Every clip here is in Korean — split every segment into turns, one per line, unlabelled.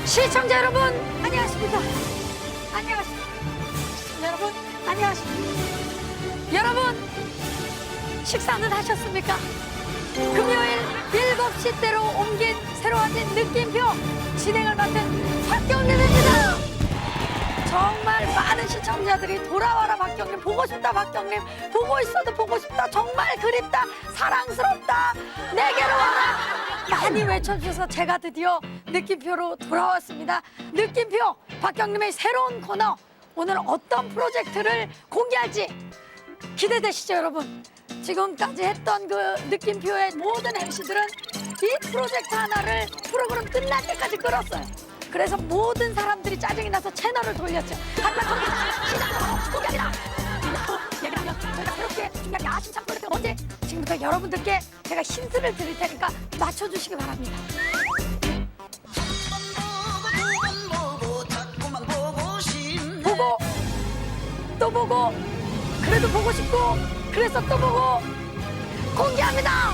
시청자 여러분 안녕하십니까? 안녕하십니까? 시청자 여러분 안녕하십니까? 여러분 식사는 하셨습니까? 금요일 7시대로 옮긴 새로워진 느낌표 진행을 맡은 박경림입니다. 정말 많은 시청자들이 돌아와라 박경림, 보고 싶다 박경림, 보고 있어도 보고 싶다, 정말 그립다, 사랑스럽다, 내게로 와라 많이 외쳐주셔서 제가 드디어 느낌표로 돌아왔습니다. 느낌표 박경림의 새로운 코너, 오늘 어떤 프로젝트를 공개할지 기대되시죠 여러분? 지금까지 했던 그 느낌표의 모든 MC들은 이 프로젝트 하나를 프로그램 끝날 때까지 끌었어요. 그래서 모든 사람들이 짜증이 나서 채널을 돌렸죠. 하지만 저기 시작하고 공약이다. 얘기를 하면 저희가 그렇게 중요하게 아심참 프로젝트 언제? 지금부터 여러분들께 제가 힌트를 드릴 테니까 맞춰주시기 바랍니다. 보고 또 보고 그래도 보고 싶고 그래서 또 보고 공개합니다.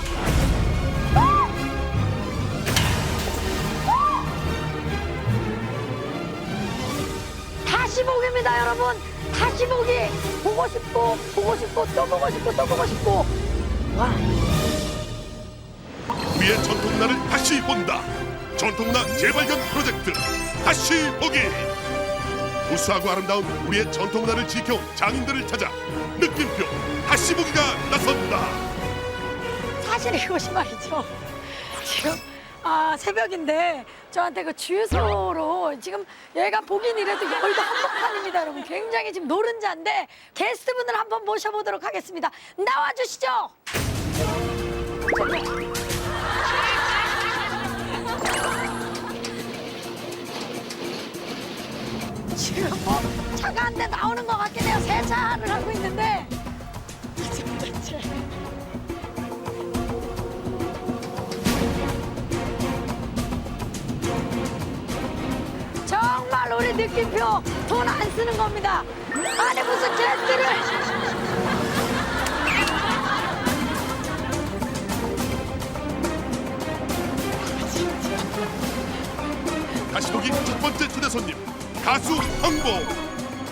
다시 보기입니다 여러분. 다시 보기. 보고 싶고 보고 싶고 또 보고 싶고 또 보고 싶고. 와.
우리의 전통문화를 다시 본다. 전통문화 재발견 프로젝트 다시 보기. 우수하고 아름다운 우리의 전통문화를 지켜온 장인들을 찾아 느낌표 다시 보기가 나선다.
사실 이것이 말이죠. 지금 새벽인데 저한테 그 주유소로 지금 얘가 보긴 이래도 여의도 한복판입니다 여러분. 굉장히 지금 노른자인데 게스트분을 한번 모셔보도록 하겠습니다. 나와주시죠. 지금 뭐 차가 한 대 나오는 것 같긴 해요. 세차를 하고 있는데 지금 대체 정말 우리 느낌표 돈 안 쓰는 겁니다. 아니 무슨 게스트를
다시 보기 첫 번째 초대 손님 가수 황보.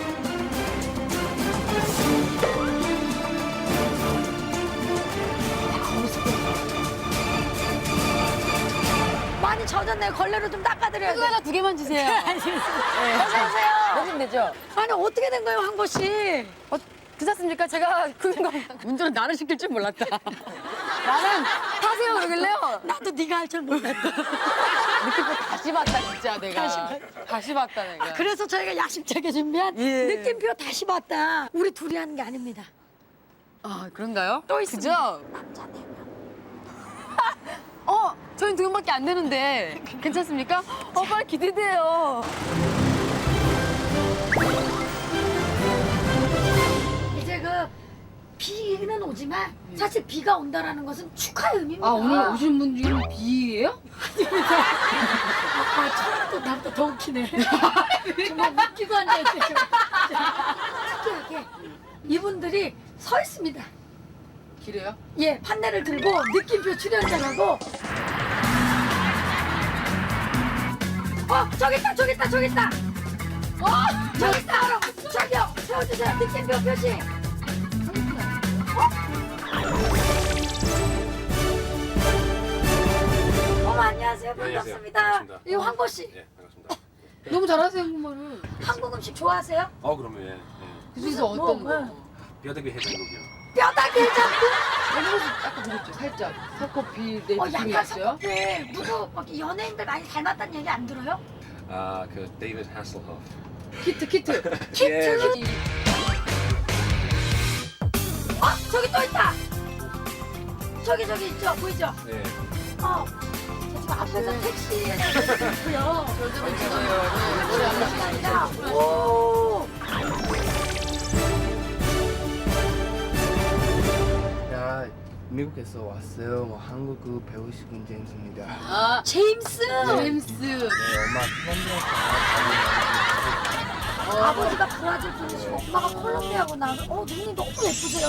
많이 젖었네요. 걸레로 좀 닦아드려야
그거
돼요.
하나 두 개만 주세요.
어서오세요.
내면 되죠?
아니 어떻게 된 거예요 황보 씨?
괜찮습니까? 제가 운전은 나를 시킬 줄 몰랐다. 나는 타세요 그러길래요.
나도 네가 할 줄 몰랐다.
느낌표 다시 봤다 진짜 내가. 다시 봤다 내가.
그래서 저희가 야심차게 준비한
예.
느낌표 다시 봤다. 우리 둘이 하는 게 아닙니다.
아 그런가요?
또 있습니다.
그죠?
남자 4명.
저희 두 명밖에 안 되는데 괜찮습니까? 빨리 기대돼요.
이제 그 비는 오지만 사실 비가 온다라는 것은 축하의 의미입니다.
아 오늘 오신 분 중에 B예요?
처음부터 나보다 더 웃기네. 정말 웃기고 앉아있대. 특이하게 이분들이 서 있습니다.
길에요?
예, 판넬을 들고 느낌표 출연자라고. 저기 있다, 저기 있다, 저기 있다. 저기 있다, 바로. 저기요, 세워주세요. 느낌표 표시. 어머, 안녕하세요. 반갑습니다.
반갑습니다.
이 황보 씨,
예, 반갑습니다.
너무 잘하세요 한국말을.
한국 음식 좋아하세요?
그러면 예.
그중에서 어떤
뭐,
거?
뼈다귀 해장국이요.
뼈다귀 해장국?
아까 그랬죠 살짝 석커피 내 느낌이
약간
있어요?
석커피. 누구 막 연예인들 많이 닮았다는 얘기 안 들어요?
그 데이비드 하슬허프.
키트
키트? 저기 또 있다. 저기 있죠, 보이죠?
예.
저 지금 앞에서 택시에서 있고요. 오.
야, 미국에서 왔어요. 뭐 한국어 배우시는 제임스입니다.
아
제임스.
제임스.
네, 엄마
아버지가 브라질 분이시고 엄마가 콜롬비아구나. 눈이 너무 예쁘세요.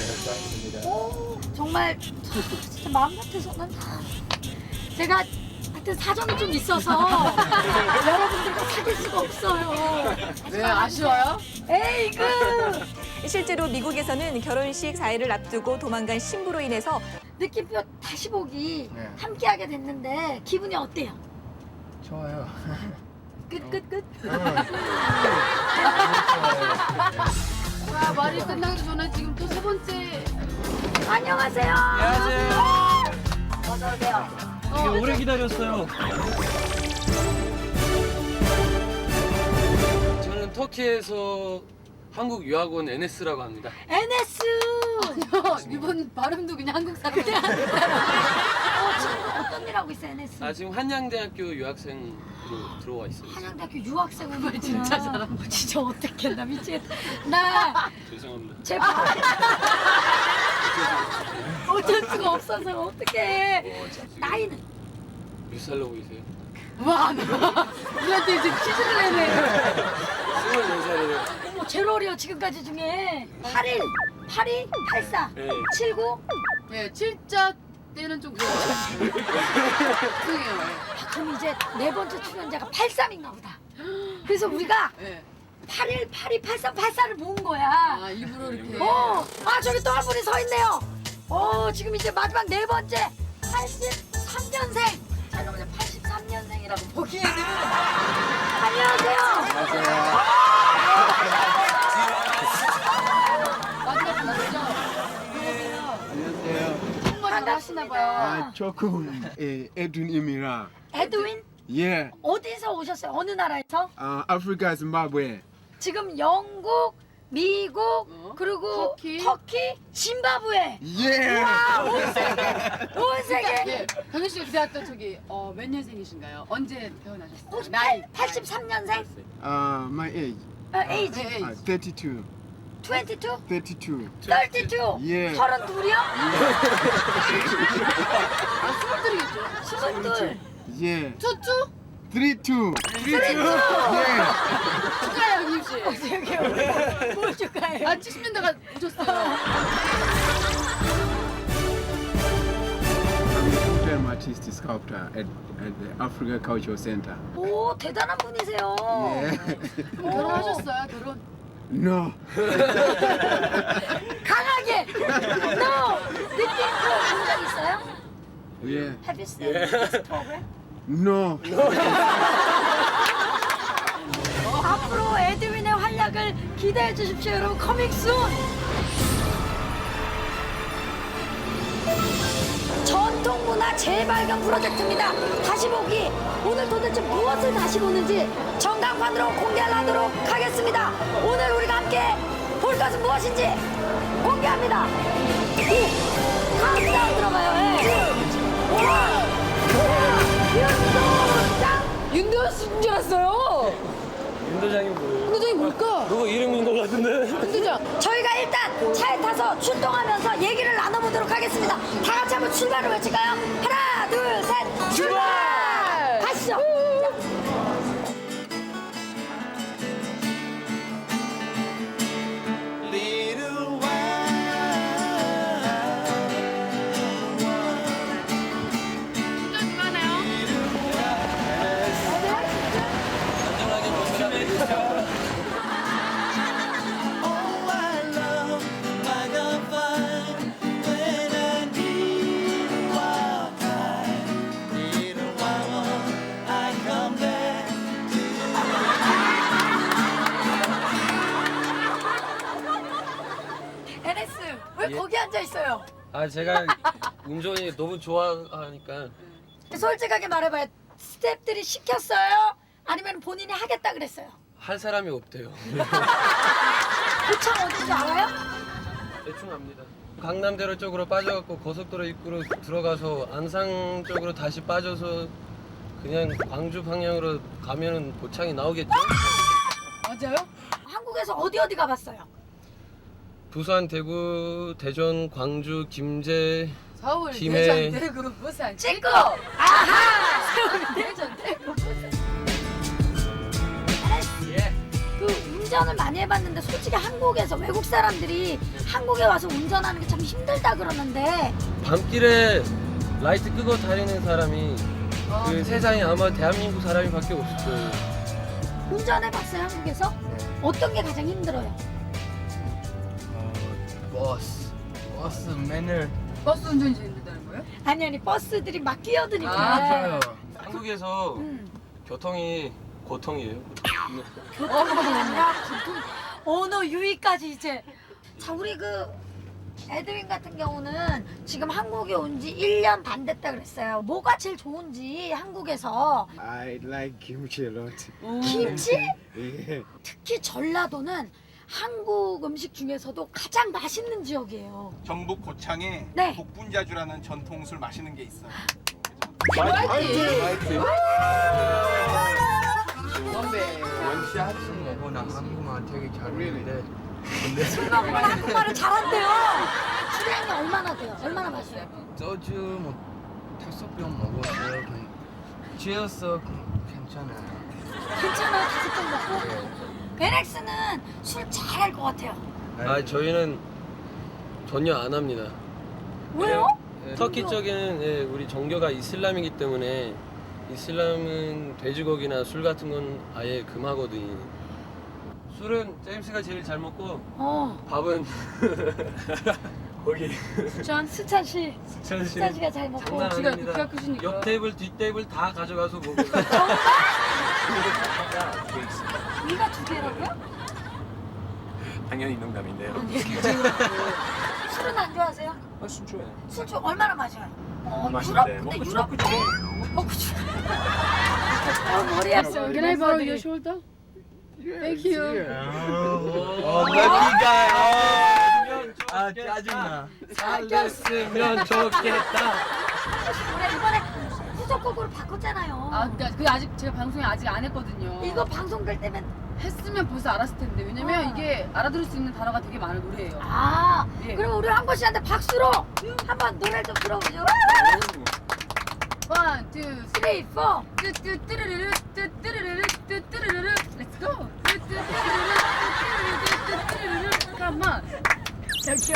콜롬비아.
오, 정말 진짜 마음 같아서는 제가 하여튼 사정이 좀 있어서 여러분들과 사귈 수가 없어요.
왜 아쉬워요?
에이그.
실제로 미국에서는 결혼식 4일을 앞두고 도망간 신부로 인해서
느낌표 다시 보기
네.
함께하게 됐는데 기분이 어때요?
좋아요.
끝.
아, 말이 끝나기 전에 지금 또 세 번째.
안녕하세요. 어서 오세요.
오래 기다렸어요.
저는 터키에서 한국 유학원 NS라고 합니다.
NS.
이번 발음도 그냥 한국 사람.
지금 어떤 일 하고 있어 NS?
아 지금 한양대학교 유학생으로 들어와 있어요.
한양대학교 유학생을
진짜 잘한다.
진짜 어떡해 나 미치겠다. 나
죄송합니다.
제발. 어쩔 수가 없어서 어떡해. 나이는?
몇 살로 보이세요?
와, 우리한테 이제 퀴즈를 내네.
24살이에요.
어머 제일 어려 지금까지 중에 81, 82, 84,
네.
79.
네, 7자 때는 좀 그래요. 죄송해요.
그럼 이제 네 번째 출연자가 83인가 보다. 그래서 우리가
네.
81, 82, 83, 84를 모은 거야.
아, 일부러 이렇게.
저기 또 한 분이 서 있네요. 지금 이제 마지막 네 번째 83년생. 자, 여러분 83년생이라고 보기에는 안녕하세요.
만나보시죠.
안녕하세요.
한국말을 하시나 봐요.
조금 에둔입니다.
에드윈
예.
어디서 오셨어요? 어느 나라에서?
아프리카 짐바브웨.
지금 영국, 미국, 그리고
터키.
짐바브웨.
예.
온 세계.
예, 경현 씨가 기대했던 저기 몇 년생이신가요? 언제 태어나셨어요?
혹시
나이.
83년생?
My age.
에이지
네,
32.
22?
32.
32?
예.
32이요?
아, 22이겠죠?
22.
예.
투투?
32. 예.
축하해요, 김 씨.
뭘 축하해요?
70년대가 오셨어요.
I'm a full-time artist sculptor at the Africa Cultural Center.
오, 대단한 분이세요.
예.
결혼하셨어요, 결혼?
No.
강하게. No. 느낌표 본적 있어요?
예.
Have you seen this program?
No.
앞으로 에드윈의 활약을 기대해 주십시오, 여러분. 커밍 순. 전통문화 재발견 프로젝트입니다. 다시 보기. 오늘 도대체 무엇을 다시 보는지 전광판으로 공개하도록 하겠습니다. 오늘 우리가 함께 볼 것은 무엇인지 공개합니다. 카운트다운 들어가요. 윤도장.
윤도현 씨인 줄 알았어요.
윤도장이 뭐예요?
윤도장이 뭘까?
누구 이름인 것 같은데?
윤도장.
저희가 일단 차에 타서 출동하면서 얘기를 나눠보도록 하겠습니다. 다 같이 한번 출발을 외칠까요? 하나, 둘, 셋, 출발! 가시죠. NS, 왜 거기 앉아 있어요?
아 제가 운전이 너무 좋아하니까
솔직하게 말해봐요. 스태프들이 시켰어요? 아니면 본인이 하겠다 그랬어요?
할 사람이 없대요.
고창 어딘지 알아요?
대충 압니다. 강남대로 쪽으로 빠져갖고 고속도로 입구로 들어가서 안상 쪽으로 다시 빠져서 그냥 광주 방향으로 가면은 고창이 나오겠죠?
맞아요?
한국에서 어디 가봤어요?
부산, 대구, 대전, 광주, 김제,
서울,
김해.
대전, 대구, 부산.
찍고! 아하! 서울, 대전, 대구, 부산. 그 운전을 많이 해봤는데 솔직히 한국에서 외국 사람들이 한국에 와서 운전하는 게 참 힘들다 그러는데
밤길에 라이트 끄고 다니는 사람이 그 세상에 아마 대한민국 사람이밖에 없을 거예요.
운전해봤어요 한국에서? 어떤 게 가장 힘들어요?
버스 맨을
버스 운전이 제일 힘들다는 거예요?
아니 버스들이 막 끼어드니까.
아.
한국에서 교통이 고통이에요.
교통이 아니라 언어 유희까지 이제. 자 우리 그 에드윈 같은 경우는 지금 한국에 온 지 1년 반 됐다 그랬어요. 뭐가 제일 좋은지 한국에서.
I like kimchi a lot.
김치?
Yeah.
특히 전라도는 한국 음식 중에서도 가장 맛있는 지역이에요.
경북 고창에
네.
복분자주라는 전통술 마시는 게 있어요.
나 한국말 되게 잘하는데
술먹으면 한국말을 잘한대요. 주량이 얼마나 돼요? 얼마나 마셔요?
소주 뭐 5병 먹었어요. 취했어. 괜찮아요.
괜찮아요? 5병 먹고? 베렉스는 술 잘할 것 같아요.
아 저희는 전혀 안 합니다.
왜요?
터키 쪽에는 우리 종교가 이슬람이기 때문에 이슬람은 돼지고기나 술 같은 건 아예 금하거든요. 술은 제임스가 제일 잘 먹고 밥은 거기
수찬 씨.
수찬 씨
수찬 씨가 잘 먹고.
장난
지가
아닙니다.
크시니까.
옆 테이블 뒷 테이블 다 가져가서 먹어요.
위가 2개라고요?
당연히 농담인데요.
술은 안 좋아하세요?
술 좋아해요.
술 좀 얼마나 마셔요?
맛있는데
유럽? 근데
먹고
유럽
죽고
먹고 죽어. 머리 아파.
Can I borrow your shoulder? Thank you.
아 짜증나. 살렸으면 좋겠다.
우리 이번에 후속곡으로 바꿨잖아요.
아, 그러니까 그게 아직 제가 방송에 아직 안 했거든요.
이거 방송될 때면
했으면 벌써 알았을 텐데 왜냐면 이게 알아들을 수 있는 단어가 되게 많은 노래예요.
아
예.
그럼 우리 한번 씨한테 박수로 한번 노래 좀 들어보죠.
1, 2, 3,
3, 4.
뚜뚜뚜루루루 뚜뚜루루루 뚜뚜루루루 Let's go. 뚜뚜뚜루루루 뚜뚜루루루 Come on.
저기요.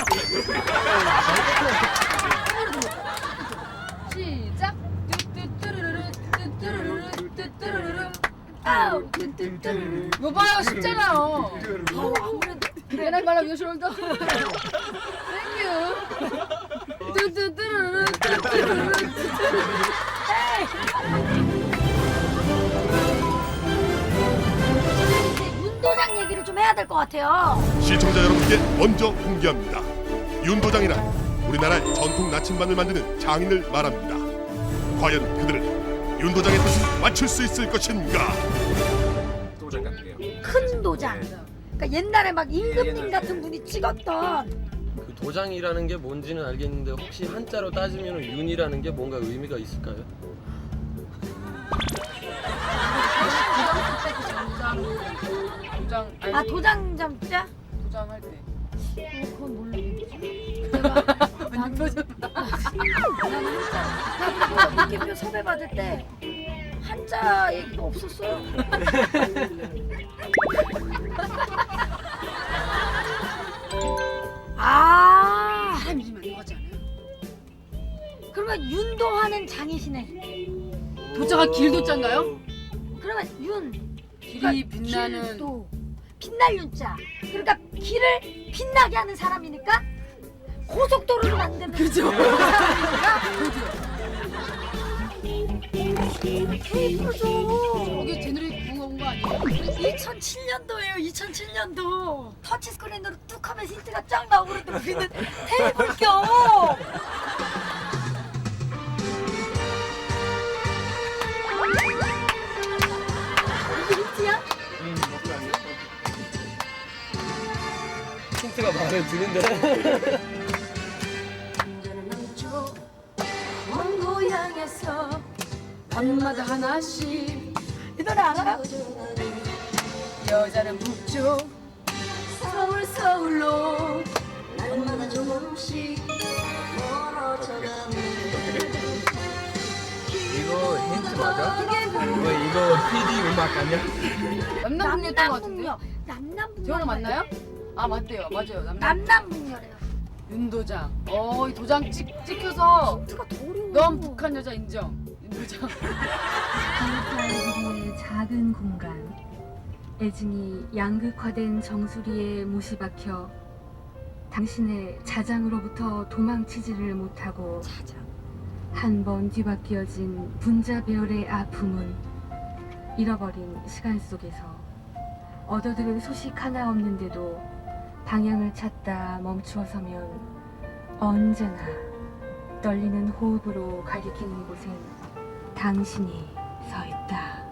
시작. 뚜뚜뚜루루루 뚜뚜루루루 뚜뚜루루루
아우 뚜뚜뚜.
이거 봐요 쉽잖아요.
아무래도
Can I borrow your shoulder? Thank you. 뚜뚜뚜루루루 뚜뚜루루루
이제 윤도장 얘기를 좀 해야 될 것 같아요.
시청자 여러분께 먼저 공개합니다. 윤도장이란 우리나라의 전통 나침반을 만드는 장인을 말합니다. 과연 그들은 윤도장의 뜻을 맞출 수 있을 것인가?
도장 같은 게요.
큰 도장. 그러니까 옛날에 막 임금님 같은 분이 찍었던.
그 도장이라는 게 뭔지는 알겠는데 혹시 한자로 따지면 윤이라는 게 뭔가 의미가 있을까요?
도장
아 도장 점자?
도장할 때.
그건 모르겠지. 내가 나는 한자. 느낌표 섭외 받을 때 한자 얘기가 없었어요. 아
사람 이름이 안 들어가지 않아요?
그러면 윤도하는 장이시네.
도자가 길도자인가요?
그러면 윤
길이 빛나는
길도 빛날 윤자. 그러니까 길을 빛나게 하는 사람이니까 고속도로를 만드는
그죠?
케이블도
거기 제 노래 부은 거 아니에요?
2007년도예요. 2007년도 터치스크린으로 뚝 하면 힌트가 쫙 나오고 그러는데 우리는 테이블 껴. 이게 힌트야?
힌트가 마음에 드는데.
먼 고향에서
밤마다 하나씩
이 노래 알아요?
여자는 북쪽
서울 서울로
날마다 조금씩 멀어져가는
이거 힌트 맞아? 이거 PD 음악 아니야?
남남북녀였던 것 같은데?
남남북녀. 남남북녀.
저랑 맞나요? 아 맞대요 맞아요 남남
남남북녀래요.
윤도장 이 도장 찍혀서
힌트가 더 어려워.
넌 북한 여자 인정 윤도장.
한사이의 작은 공간, 애증이 양극화된 정수리에 못이 박혀 당신의 자장으로부터 도망치지를 못하고 한 번 뒤바뀌어진 분자 배열의 아픔은 잃어버린 시간 속에서 얻어들은 소식 하나 없는데도 방향을 찾다 멈추어 서면 언제나 떨리는 호흡으로 가리키는 곳엔 당신이 서 있다.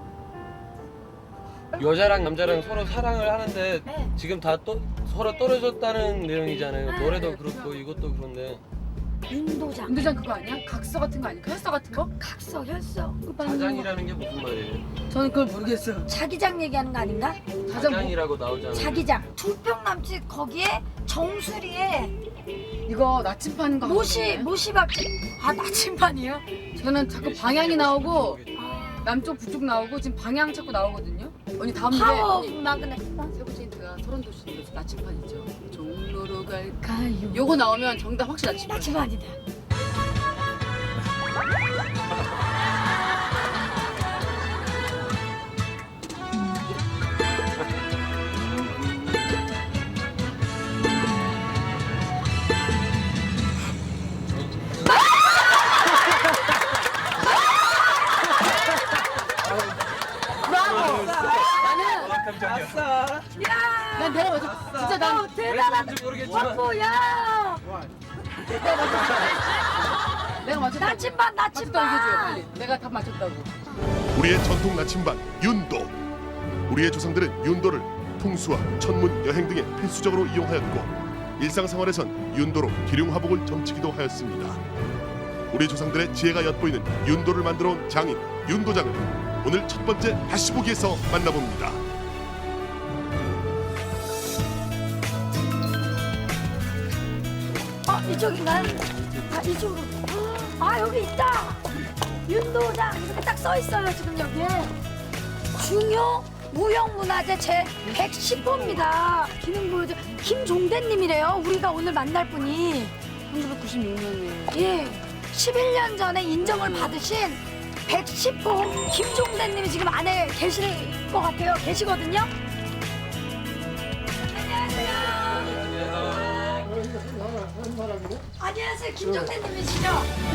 여자랑 남자랑 서로 사랑을 하는데 지금 다 서로 떨어졌다는 내용이잖아요. 노래도 그렇고 이것도 그런데.
윤도장.
윤도장 그거 아니야? 각서 같은 거 아니야? 혈서 같은 거?
각서, 혈서.
자장이라는 게 무슨 말이에요?
저는 그걸 모르겠어요.
자기장 얘기하는 거 아닌가?
자장이라고 나오잖아요.
자기장. 2평 남짓 거기에 정수리에
이거 나침판 거.
못이 박힌. 아, 나침반이요?
저는 자꾸 방향이 나오고 남쪽 북쪽 나오고 지금 방향 자꾸 나오거든요. 언니 다음 노래.
파워
언니,
마그넷.
세 번째 힌트가 서른도시 나침판 있죠. 종로로 갈까요? 요거 나오면 정답 확실히 나침판.
나침반이다.
난 내가 맞았어. 진짜 난
대단하다.
뭔지 모르겠지만
와꾸야.
내가 맞췄다.
나침반,
맞췄다 얘기해줘요
나침반.
빨리. 내가 답 맞췄다고.
우리의 전통 나침반 윤도. 우리의 조상들은 윤도를 풍수와 천문, 여행 등에 필수적으로 이용하였고 일상생활에선 윤도로 기륭화복을 점치기도 하였습니다. 우리 조상들의 지혜가 엿보이는 윤도를 만들어 온 장인 윤도장을 오늘 첫 번째 다시 보기에서 만나봅니다.
이쪽인가요? 아, 이쪽으로. 아, 여기 있다. 윤도장 이렇게 딱 써 있어요 지금 여기에. 중요 무형문화재 제 110호입니다. 기능 보여줘. 김종대님이래요. 우리가 오늘 만날 분이.
1996년에.
예. 11년 전에 인정을 받으신 110호 김종대님이 지금 안에 계실 것 같아요. 계시거든요. 안녕하세요. 김종대님이시죠?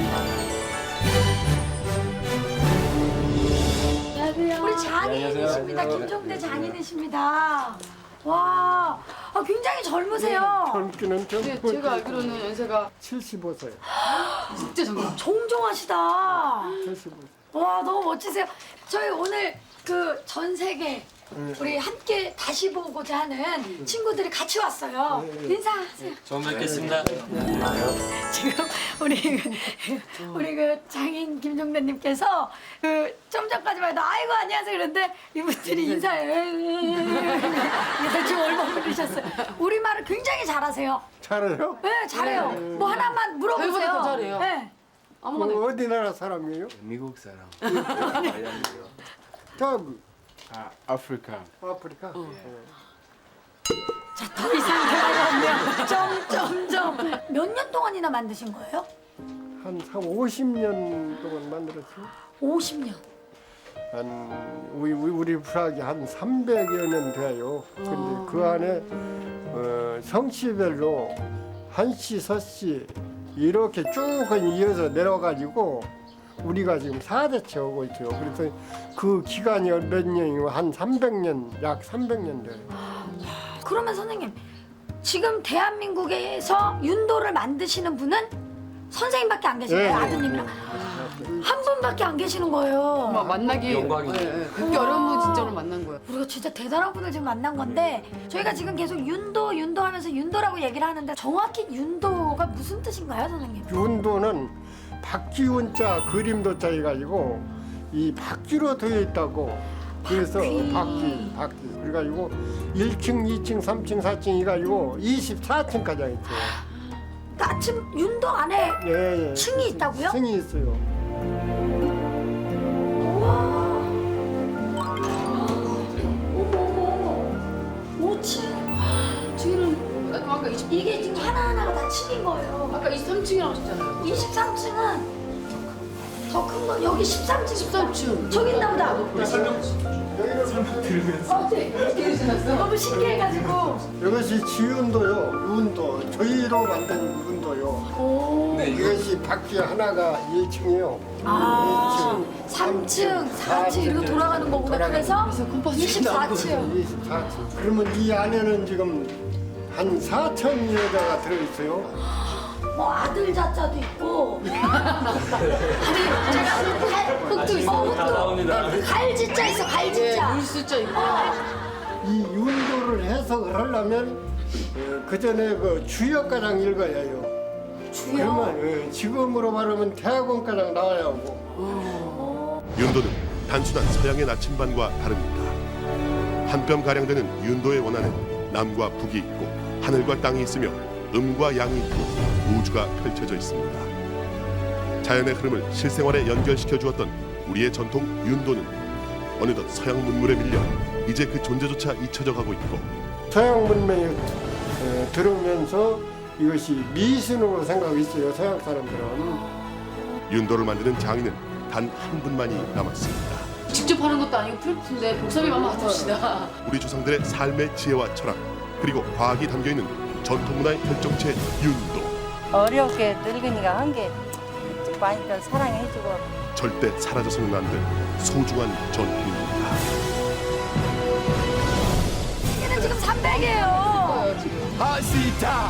우리 장인이십니다. 김종대 장인이십니다. 와, 굉장히 젊으세요.
젊기는
근데
젊고
제가 알기로는 연세가
75세.
진짜 젊어.
종종하시다.
75세.
와, 너무 멋지세요. 저희 오늘 그 전 세계 우리 함께 다시 보고자 하는 친구들이 같이 왔어요. 인사하세요.
처음 뵙겠습니다.
지금 우리 그 장인 김종대님께서 그 좀 전까지만 해도 아이고 안녕하세요 그런데 이분들이 인사해. 대충 얼마 부르셨어요. 우리 말을 굉장히 잘하세요.
잘해요?
네, 잘해요. 뭐 하나만 물어보세요.
저희보다 더 잘해요.
네.
아무거나.
어디 나라 사람이에요?
미국 사람.
저기
아프리카.
아프리카.
자, 더 이상 대화가 없네요. 점점점. 몇 년 동안이나 만드신 거예요?
한 50년 동안 만들었어요.
50년.
한 우리 프락이 한 300여 년 돼요. 근데 그 안에 성씨별로 한씨, 서씨 이렇게 쭉 이어서 내려가지고 우리가 지금 4대째 오고 있어요. 그래서 그 기간이 몇 년이고 한 300년, 약 300년 돼요.
그러면 선생님, 지금 대한민국에서 윤도를 만드시는 분은 선생님밖에 안 계신 거예요? 아드님이랑? 한 분밖에 안 계시는 거예요.
정말 만나기
영광이죠.
그렇게 어려운 분 진짜로 만난 거예요.
우리가 진짜 대단한 분을 지금 만난 건데 저희가 지금 계속 윤도 하면서 윤도라고 얘기를 하는데 정확히 윤도가 무슨 뜻인가요, 선생님?
윤도는 박쥐운자 그림도자 해가지고 이 박쥐로 되어 있다고. 그래서 박쥐. 그래가지고 1층, 2층, 3층, 4층 해가지고 24층까지 있어요.
그러니까 아침 윤도 안에
예.
층이 있다고요?
층이 있어요.
어머. 5층.
뒤는 아까
이게 지금 하나하나가 다 층인 거예요.
아까 23층이라고 하셨잖아요.
23층은 더 큰 건 여기 13층. 13층. 저기 있나 보다.
우리 설명 들으면서
네. 너무 신기해가지고.
이것이 지운도요, 윤도, 저희로 만든 윤도요.
네,
이것이 바퀴 하나가 1층이요.
아, 3층, 4층 이렇게 돌아가는 거구나. 그래서 24층.
24층. 그러면 이 안에는 지금 한 4천 여자가 들어있어요.
뭐 아들 자자도 있고. 아니 제가 흙도 있어. 흙도. 갈지자 있어. 갈지자.
물수자 있고.
이 윤도를 해석을 하려면 그 전에 그 주역가장 읽어야 해요. 그러면 지금으로 말하면 대학원가장 나와야 하고.
윤도는 단순한 서양의 나침반과 다릅니다. 한 뼘 가량 되는 윤도의 원안은 남과 북이 있고 하늘과 땅이 있으며 음과 양이 있고 우주가 펼쳐져 있습니다. 자연의 흐름을 실생활에 연결시켜 주었던 우리의 전통 윤도는 어느덧 서양 문물에 밀려 이제 그 존재조차 잊혀져 가고 있고
서양 문명에 들어오면서 이것이 미신으로 생각했어요. 서양 사람들은.
윤도를 만드는 장인은 단 한 분만이 남았습니다.
직접 하는 것도 아니고 프로틴데 복사비만 맡읍시다.
우리 조상들의 삶의 지혜와 철학 그리고 과학이 담겨있는 전통문화의 결정체 윤도.
어렵게 늙은이가 한 게 많이들 사랑해주고
절대 사라져서는 안 될 소중한 전통입니다.
얘는 지금 300이에요.
아시다.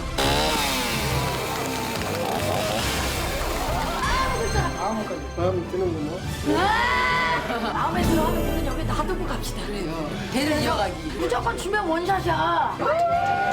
마음에 드는구나.
마음에 들어 하면 여기 놔두고 갑시다.
그래요. 대를 이어가기.
무조건 주면 원샷이야.